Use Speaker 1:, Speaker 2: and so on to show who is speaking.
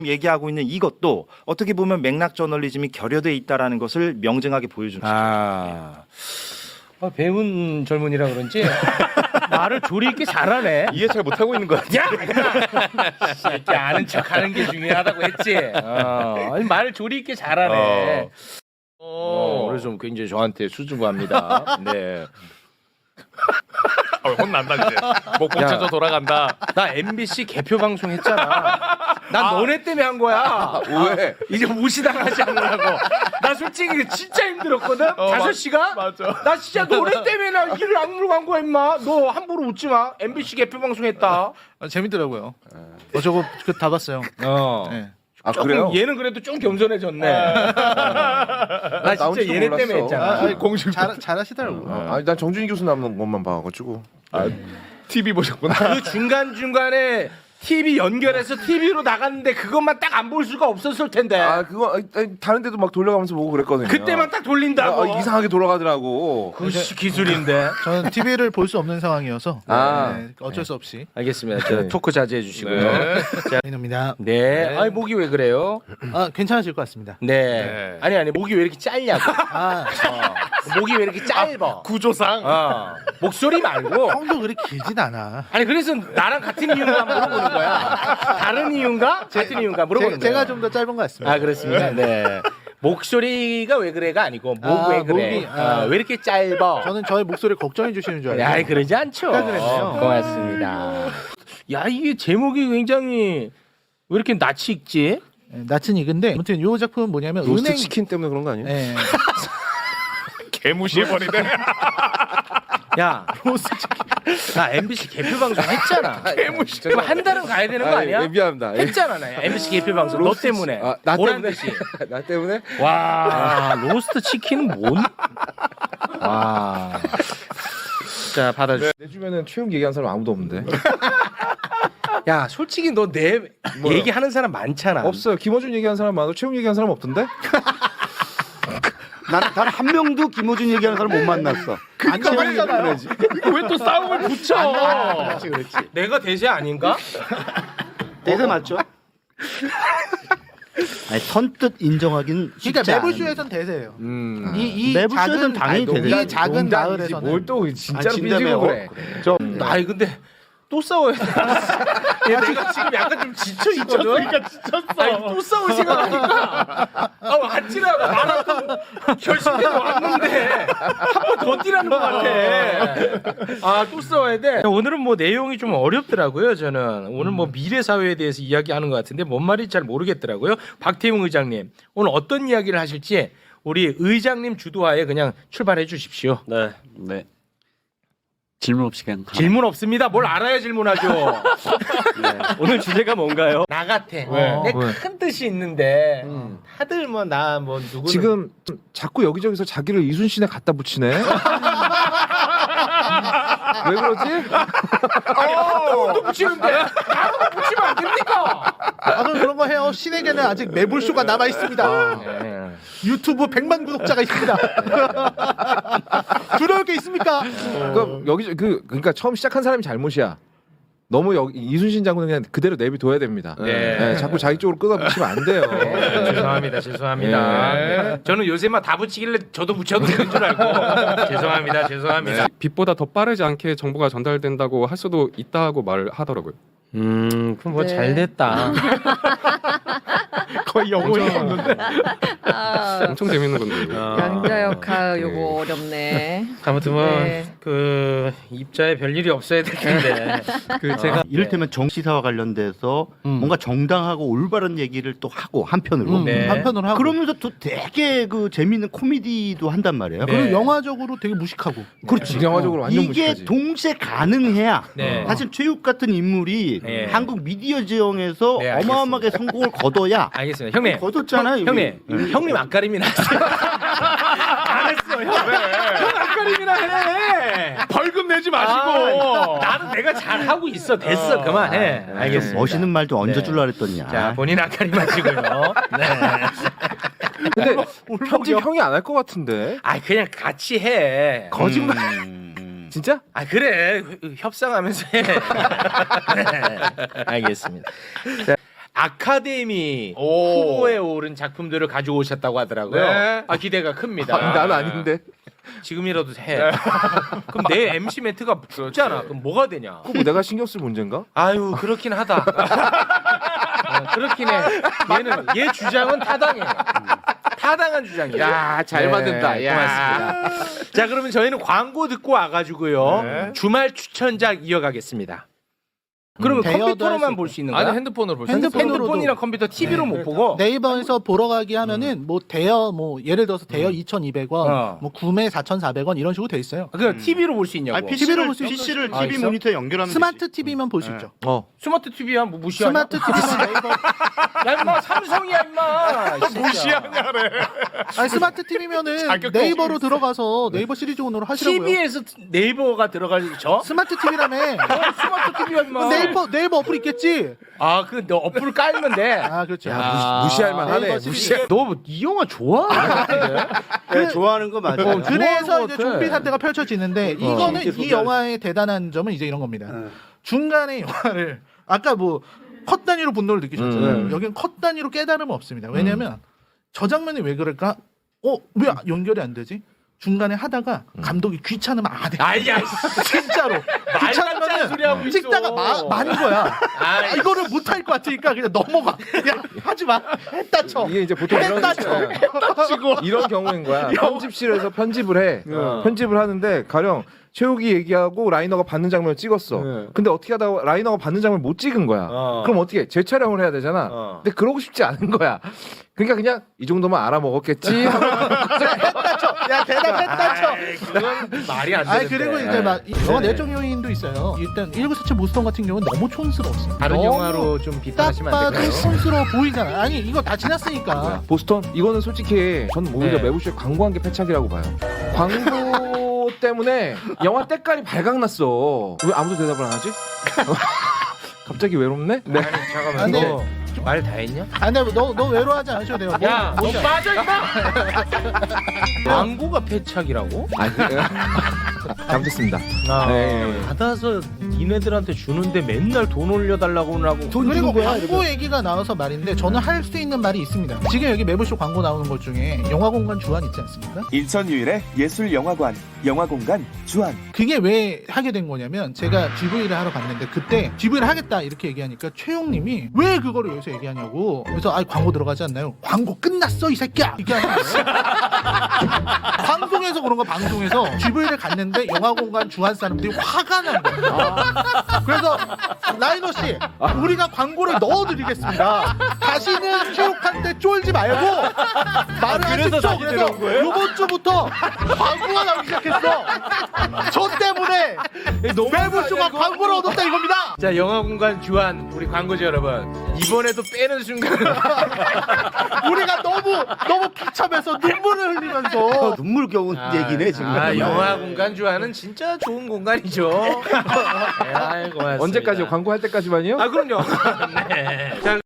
Speaker 1: 얘기하고 있는 이것도 어떻게 보면 맥락 저널리즘이 결여돼 있다라는 것을 명증하게 보여준
Speaker 2: 아, 배운 젊은이라 그런지 말을 조리 있게 잘하네.
Speaker 3: 이해 잘 못하고 있는 거 같아.
Speaker 2: 야, 이렇게 아는 척하는 게 중요하다고 했지. 아니, 말을 조리 있게 잘하네. 오늘 좀 굉장히 저한테 수줍어합니다. 네.
Speaker 3: 혼난다 이제. 목 꽂혀서 돌아간다.
Speaker 2: 나 MBC 개표 방송 했잖아. 난 너네 때문에 한 거야.
Speaker 3: 왜?
Speaker 2: 이제 무시당하지 않으려고. 나 솔직히 진짜 힘들었거든. 5시간?
Speaker 3: 맞아.
Speaker 2: 나 진짜 너네 때문에 나 일을 악물고 간 거야 임마. 너 함부로 웃지 마. MBC 개표 방송 했다.
Speaker 4: 재밌더라고요. 저거 다 봤어요. 네.
Speaker 3: 아
Speaker 2: 조금
Speaker 3: 그래요?
Speaker 2: 얘는 그래도 좀 겸손해졌네. 나 진짜
Speaker 3: 나올지도
Speaker 2: 얘네
Speaker 3: 몰랐어.
Speaker 2: 때문에 했잖아.
Speaker 3: 공식.
Speaker 4: 잘하시더라고요.
Speaker 3: 아니 난 정준희 교수 나오는 것만 봐가지고. TV 보셨구나.
Speaker 2: 그 중간중간에 TV 연결해서 TV로 나갔는데 그것만 딱 안 볼 수가 없었을 텐데.
Speaker 3: 아 그거 아니, 다른 데도 막 돌려가면서 보고 그랬거든요.
Speaker 2: 그때만 딱 돌린다고.
Speaker 3: 이상하게 돌아가더라고.
Speaker 2: 그 기술인데.
Speaker 4: 저는 TV를 볼 수 없는 상황이어서
Speaker 3: 아.
Speaker 4: 네, 어쩔 수 없이
Speaker 2: 알겠습니다. 저 토크 자제해 주시고요.
Speaker 4: 입니다.
Speaker 2: 네. 아니 목이 왜 그래요?
Speaker 4: 괜찮아질 것 같습니다.
Speaker 2: 네. 아니 목이 왜 이렇게 짧냐고. 목이 왜 이렇게 짧아?
Speaker 3: 구조상.
Speaker 2: 목소리 말고.
Speaker 4: 형도 그렇게 길진 않아.
Speaker 2: 아니 그래서 나랑 같은 이유인가 물어보는 거야. 다른 이유인가? 같은 이유인가 물어보는 거야.
Speaker 4: 제가 좀 더 짧은 것 같습니다.
Speaker 2: 아 그렇습니다. 네. 목소리가 왜 그래가 아니고 목 왜 그래?
Speaker 4: 목이,
Speaker 2: 왜 이렇게 짧아?
Speaker 4: 저는 저의 목소리 걱정해 주시는 줄 알고.
Speaker 2: 야, 그러지 않죠.
Speaker 4: 그랬네요.
Speaker 2: 고맙습니다. 야, 이게 제목이 굉장히 왜 이렇게 낯이 익지?
Speaker 4: 네, 낯은 익은데 아무튼 이 작품은 뭐냐면
Speaker 3: 로스트
Speaker 4: 은행
Speaker 3: 치킨 때문에 그런 거 아니에요?
Speaker 4: 네.
Speaker 3: 개무시해버리네.
Speaker 2: 야, 나 MBC 개표 방송 했잖아. 그럼 한 달은 가야 되는 거 아니야?
Speaker 3: 미안합니다.
Speaker 2: 했잖아, 나 MBC 개표 방송 너 때문에.
Speaker 3: 나
Speaker 2: 보란
Speaker 3: 때문에?
Speaker 2: 듯이.
Speaker 3: 나 때문에?
Speaker 2: 와, 로스트 치킨은 뭔? 와. 자, 받아주.
Speaker 3: 내 주변엔 최욱 얘기한 사람 아무도 없는데.
Speaker 2: 야, 솔직히 너 내 얘기하는 사람 많잖아.
Speaker 3: 없어요. 김어준 얘기한 사람 많아. 최욱 얘기한 사람 없던데?
Speaker 5: 난 한 명도 김호준 얘기하는 사람 못 만났어.
Speaker 4: 그러니까
Speaker 2: 왜 또 싸움을 붙여?
Speaker 4: 그렇지.
Speaker 2: 내가 대세 아닌가?
Speaker 5: 대세 맞죠? 아니, 선뜻 인정하긴 쉽지
Speaker 4: 그러니까
Speaker 5: 않은.
Speaker 4: 매불쇼에선 대세예요. 이
Speaker 5: 매불쇼에선 당연히 대세지.
Speaker 4: 이 작은 마을에서는
Speaker 3: 뭘 또 진짜로
Speaker 5: 진짜
Speaker 3: 삐지고
Speaker 5: 매워.
Speaker 3: 그래.
Speaker 2: 아니 근데 또 싸워야 돼. 내가 지금 약간 좀 지쳐 있거든. 그러니까 지쳤어. 아니, 또 싸울 생각하니까 왔지라고 마라톤 결승대에 왔는데 한 번 더 뛰라는 것 같아. 아 또 싸워야 돼. 오늘은 뭐 내용이 좀 어렵더라고요. 저는 오늘 뭐 미래 사회에 대해서 이야기하는 것 같은데 뭔 말인지 잘 모르겠더라고요. 박태웅 의장님 오늘 어떤 이야기를 하실지 우리 의장님 주도하에 그냥 출발해 주십시오.
Speaker 6: 네. 질문 없이 그냥
Speaker 2: 질문 없습니다. 뭘 알아야 질문하죠.
Speaker 6: 오늘 주제가 뭔가요?
Speaker 2: 나 같아.
Speaker 3: 왜?
Speaker 2: 내 큰 뜻이 있는데 다들 뭐 나 뭐 누구
Speaker 3: 지금 자꾸 여기저기서 자기를 이순신에 갖다 붙이네. 왜 그러지?
Speaker 2: 아니 또 붙이는데 나도 붙이면 안 됩니까?
Speaker 4: 그럼 그런 거 해요. 신에게는 아직 매불쇼가 남아 있습니다. 유튜브 100만 구독자가 있습니다. 두려울 게 있습니까?
Speaker 3: 그러니까 처음 시작한 사람이 잘못이야. 너무 이순신 장군은 그냥 그대로 내비둬야 됩니다.
Speaker 2: 네.
Speaker 3: 자꾸 자기 쪽으로 끌어붙이면 안 돼요.
Speaker 2: 죄송합니다. 네. 저는 요새만 다 붙이길래 저도 붙여도 되는 줄 알고 죄송합니다.
Speaker 7: 빛보다 더 빠르지 않게 정보가 전달된다고 할 수도 있다고 말하더라고요.
Speaker 2: 그럼 뭐 잘 됐다. 거의 영혼이었는데.
Speaker 7: 엄청 재밌는 건데.
Speaker 8: 양자 역할 요거 어렵네.
Speaker 2: 아무튼 뭐
Speaker 8: 네.
Speaker 2: 그 입자에 별일이 없어야 될 텐데.
Speaker 5: 그 제가 이를테면 정치사와 관련돼서 뭔가 정당하고 올바른 얘기를 또 하고 한편으로
Speaker 2: 네.
Speaker 4: 한편으로 하고
Speaker 5: 그러면서 또 되게 그 재미있는 코미디도 한단 말이에요.
Speaker 2: 네.
Speaker 4: 그리고 영화적으로 되게 무식하고.
Speaker 5: 그렇지.
Speaker 3: 영화적으로 완전
Speaker 5: 이게
Speaker 3: 무식하지.
Speaker 5: 동시에 가능해야
Speaker 2: 네.
Speaker 5: 사실 최욱 같은 인물이
Speaker 2: 네.
Speaker 5: 한국 미디어 지형에서
Speaker 2: 네, 알겠습니다.
Speaker 5: 어마어마하게 성공을 거둬야
Speaker 2: 알겠습니다. 형님.
Speaker 5: 거뒀잖아요.
Speaker 2: 형님 앞가림이나 하세요. 안 했어, 형. 형 앞가림이나 해.
Speaker 3: 벌금 내지 마시고.
Speaker 2: 나는 내가 잘 하고 있어. 됐어, 그만해. 알겠습니다.
Speaker 5: 멋있는 말도
Speaker 2: 네.
Speaker 5: 얹어주려 그랬더니.
Speaker 2: 자, 본인 앞가림 하시고요. 네.
Speaker 3: 근데 편집 형이 안 할 것 같은데.
Speaker 2: 아, 그냥 같이 해.
Speaker 3: 거짓말. 진짜?
Speaker 2: 아, 그래. 협상하면서 해. 네. 알겠습니다. 자, 아카데미 후보에 오른 작품들을 가지고 오셨다고 하더라고요.
Speaker 3: 네.
Speaker 2: 아 기대가 큽니다.
Speaker 3: 나는 아닌데.
Speaker 2: 지금이라도 해. 그럼 내 MC 멘트가 죽잖아. 그럼 뭐가 되냐?
Speaker 3: 그거 내가 신경 쓸 문제인가?
Speaker 2: 아유 그렇긴 하다. 그렇긴 해. 얘 주장은 타당해. 타당한 주장이야.
Speaker 3: 야, 잘 만든다. 야.
Speaker 2: 고맙습니다. 자 그러면 저희는 광고 듣고 와가지고요. 주말 추천작 이어가겠습니다. 그러면
Speaker 4: 대여도 할수
Speaker 2: 컴퓨터로만
Speaker 4: 있고.
Speaker 2: 볼 수 있는 거야?
Speaker 3: 아니 핸드폰으로 볼 수 있어.
Speaker 2: 핸드폰이랑 컴퓨터 TV로 못 보고
Speaker 4: 네이버에서 보러 가기 하면은 뭐 대여 뭐 예를 들어서 대여 2,200원,
Speaker 2: 어.
Speaker 4: 뭐 구매 4,400원 이런 식으로 돼 있어요.
Speaker 2: 그냥 TV로 볼 수 있냐고.
Speaker 5: 아니,
Speaker 4: TV로 볼 수 있어.
Speaker 5: PC를
Speaker 2: 아,
Speaker 5: TV
Speaker 2: 있어?
Speaker 5: 모니터에 연결하면
Speaker 4: 스마트 TV면 볼 수 있죠.
Speaker 2: 스마트 TV야 뭐 무시하냐?
Speaker 4: 스마트 TV면 네이버
Speaker 2: 야 임마 삼성이야 임마. 무시하냐래.
Speaker 4: 아니 스마트 TV면은 네이버로 들어가서 네이버 시리즈 온으로 하시라고요.
Speaker 2: TV에서 네이버가 들어가죠?
Speaker 4: 스마트 TV라며.
Speaker 2: 스마트 TV야 임마.
Speaker 4: 네이버 어플 있겠지.
Speaker 2: 아, 그 너 어플 깔면 돼.
Speaker 4: 아 그렇죠.
Speaker 3: 무시할 만하네.
Speaker 4: 네이버 시리즈.
Speaker 3: 무시할.
Speaker 2: 너 이 영화 좋아?
Speaker 5: 네, 좋아하는 거 맞아요.
Speaker 4: 그래서 이제
Speaker 3: 같아.
Speaker 4: 좀비 사태가 펼쳐지는데 이거는 이 영화의 대단한 점은 이제 이런 겁니다. 중간에 영화를 아까 뭐 컷 단위로 분노를 느끼셨잖아요. 여기는 컷 단위로 깨달음은 없습니다. 왜냐하면 저 장면이 왜 그럴까? 왜 연결이 안 되지? 중간에 하다가 감독이 귀찮으면 안 해.
Speaker 2: 아야,
Speaker 4: 진짜로
Speaker 2: 말도 소리 하고
Speaker 4: 귀찮으면
Speaker 2: 있어.
Speaker 4: 찍다가 만 거야.
Speaker 2: 아이.
Speaker 4: 이거를 못할 것 같으니까 그냥 넘어가. 그냥 하지 마. 했다 쳐.
Speaker 3: 이게 이제 보통 이런
Speaker 4: 했다 쳐.
Speaker 3: 이런 경우인 거야. 편집실에서 편집을 해. 편집을 하는데 가령 최욱이 얘기하고 라이너가 받는 장면을 찍었어. 근데 어떻게 하다가 라이너가 받는 장면을 못 찍은 거야. 그럼 어떻게 해? 재촬영을 해야 되잖아. 근데 그러고 싶지 않은 거야. 그러니까 그냥 이 정도만 알아먹었겠지.
Speaker 4: 했다 쳐. 야 대답했다 쳐.
Speaker 2: 그건 말이 안 되는데.
Speaker 4: 아니 그리고 이제 막 영화 내적 요인도 있어요. 일단 1947 모스턴 같은 경우는 너무 촌스러웠어요.
Speaker 2: 다른
Speaker 4: 너무
Speaker 2: 영화로 좀
Speaker 4: 딱
Speaker 2: 비판하시면 안
Speaker 4: 봐도
Speaker 2: 될까요?
Speaker 4: 촌스러워 보이잖아. 아니 이거 다 지났으니까.
Speaker 3: 보스턴 이거는 솔직히 저는 오히려
Speaker 2: 네.
Speaker 3: 매부쇼에 광고한 게 패착이라고 봐요. 광고 때문에 영화 때깔이 발각났어. 왜 아무도 대답을 안 하지? 갑자기 외롭네? 네.
Speaker 2: 아니 잠깐만.
Speaker 4: 아, 근데-
Speaker 2: 너 말 다 했냐?
Speaker 4: 아 근데 너 외로워하지 않으셔도 돼요.
Speaker 2: 야, 너
Speaker 4: 뭐,
Speaker 2: 빠져 임마. 광고가 패착이라고?
Speaker 3: 아니 잘못했습니다. 네.
Speaker 2: 받아서 니네들한테 주는데 맨날 돈 올려달라고 하고.
Speaker 4: 그리고 광고 얘기가 나와서 말인데 저는 할 수 있는 말이 있습니다. 지금 여기 매부쇼 광고 나오는 것 중에 영화공간 주안 있지 않습니까?
Speaker 9: 인천 유일의 예술영화관, 영화공간 주안.
Speaker 4: 그게 왜 하게 된 거냐면 제가 GV를 하러 갔는데 그때 GV를 하겠다 이렇게 얘기하니까 최용님이 왜 그거를 여기서 얘기하냐고. 그래서 아 광고 들어가지 않나요? 광고 끝났어 이 새끼야 이게 하는 거예요. 방송에서 그런 거 방송에서 GV를 갔는데 영화공간 주한 사람들이 화가 난 거예요. 그래서 라이너 씨 우리가 광고를 넣어드리겠습니다. 다시는 최욱한테 쫄지 말고 말을 하십시오. 그래서 이번 주부터 광고가 나오기 시작했어. 저 때문에 매부쇼가 광고를 얻었다 이겁니다.
Speaker 2: 자, 영화공간 주한 우리 광고주 여러분 이번에도 빼는 순간
Speaker 4: 우리가 너무 비참해서 눈물을 흘리면서
Speaker 5: 눈물겨운 얘기네 지금.
Speaker 2: 아, 영화공간 주한은 진짜 좋은 공간이죠. 네, 아이, 고맙습니다.
Speaker 3: 언제까지 광고할 때까지만요?
Speaker 2: 아 그럼요. 네. 자,